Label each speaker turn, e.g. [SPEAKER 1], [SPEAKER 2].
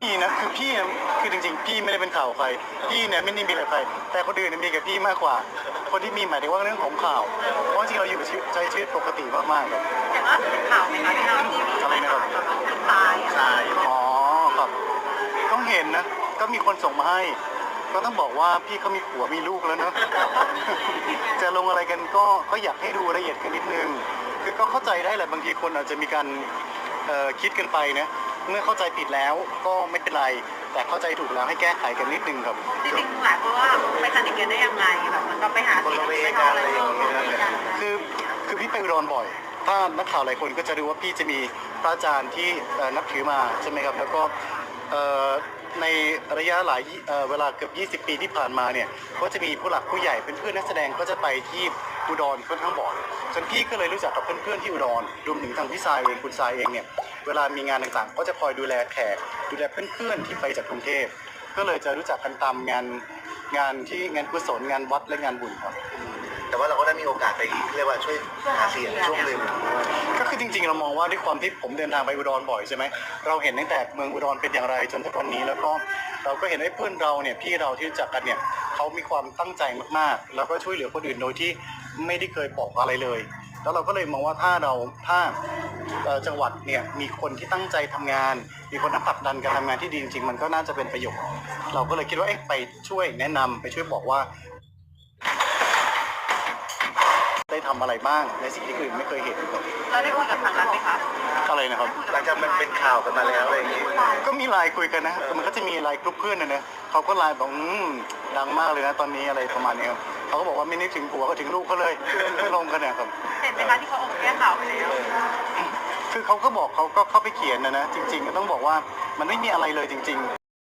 [SPEAKER 1] พี่นะคือพี่นะคือจริงๆพี่ไม่ได้เป็นข่าวใครพี่เนี่ยไม่ได้มีกับใครแต่คนอื่นเนี่ยมีกับพี่มากกว่าคนที่มีหมายถึงว่าเรื่องของข่าวเพราะจริงๆเราอยู่ใช้ชีวิตปกติมากๆครับ
[SPEAKER 2] แต่ว่าเป็นข่าวไหมคะที่เราทีวี
[SPEAKER 1] อะไรนะครับ
[SPEAKER 2] คนตายอะ
[SPEAKER 1] ใช่อ๋อครับต้องเห็นนะก็มีคนส่งมาให้ก็ต้องบอกว่าพี่เขามีผัวมีลูกแล้วเนอะ จะลงอะไรกันก็อยากให้ดูละเอียดกันนิดนึงคือก็เข้าใจได้แหละบางทีคนอาจจะมีการคิดกันไปนะเมื่อเข้าใจผิดแล้วก็ไม่เป็นไรแต่เข้าใจถูกแล้วให้แก้ไขกันนิดนึงครับ
[SPEAKER 2] จริงๆหลายคนว่าไปสนิทกันได้ยังไงแบบมันก็ไปหาเสียงไปทำอะไรอย่างเงี้ย
[SPEAKER 1] คือพี่ไปอุดรบ่อยถ้านักข่าวหลายคนก็จะรู้ว่าพี่จะมีพระอาจารย์ที่นับถือมาใช่ไหมครับแล้วก็ในระยะหลายเวลาเกือบ20 ปีที่ผ่านมาเนี่ยก็จะมีผู้หลักผู้ใหญ่เป็นเพื่อนนักแสดงก็จะไปที่อุดรค่อนข้างบ่อยจนพี่ก็เลยรู้จักกับเพื่อนๆที่อุดรรวมถึงทางพี่ทรายเองคุณทรายเองเนี่ยเวลามีงานต่างๆก็จะคอยดูแลแขกดูแลเพื่อนๆที่ไปจากกรุงเทพก็เลยจะรู้จักกันตามงานที่งานกุศลงานวัดและงานบุญครับ
[SPEAKER 3] แต่ว่าเราก็ได้มีโอกาสไปเรียกว่าช่วยหาเสียงช่วงหนึ่ง
[SPEAKER 1] ก็คือจริงๆเรามองว่าด้วยความที่ผมเดินทางไปอุดรบ่อยใช่ไหมเราเห็นตั้งแต่เมืองอุดรเป็นอย่างไรจนถึงวันนี้แล้วก็เราก็เห็นไอ้เพื่อนเราเนี่ยพี่เราที่รู้จักกันเนี่ยเขามีความตั้งใจมากๆแล้วก็ช่วยเหลือคนอื่นโดยที่ไม่ได้เคยบอกอะไรเลยแล้วเราก็เลยมองว่าถ้าจังหวัดเนี่ยมีคนที่ตั้งใจทำงานมีคนที่ผลักดันการทำงานที่ดีจริงๆมันก็น่าจะเป็นประโยชน์เราก็เลยคิดว่าไปช่วยแนะนำไปช่วยบอกว่าได้ทำอะไรบ้างในสิ่งที่อื่นไม่เคยเห็น
[SPEAKER 2] เราได้คุยกับทางนั้นไหมคะ
[SPEAKER 1] อะไรนะครับ
[SPEAKER 3] หลังจากมันเป็นข่าวกันมาแล้วอะไรอย่างงี้
[SPEAKER 1] ก็มีไลน์คุยกันนะแต่มันก็จะมีไลน์กลุ่มเพื่อนนะเขาก็ไลน์บอกดังมากเลยนะตอนนี้อะไรประมาณนี้ครับเขาก็บอกว่าไม่นึกถึงผัวก็ถึงลูกเขาเลยไม่ลงกันเนี่ยครับ
[SPEAKER 2] เห็นไหมคะที่เขาออกแก้ข่าวไปแล้ว
[SPEAKER 1] คือเขาก็บอกเขาก็เข้าไปเขียนนะจริงๆต้องบอกว่ามันไม่มีอะไรเลยจริงๆ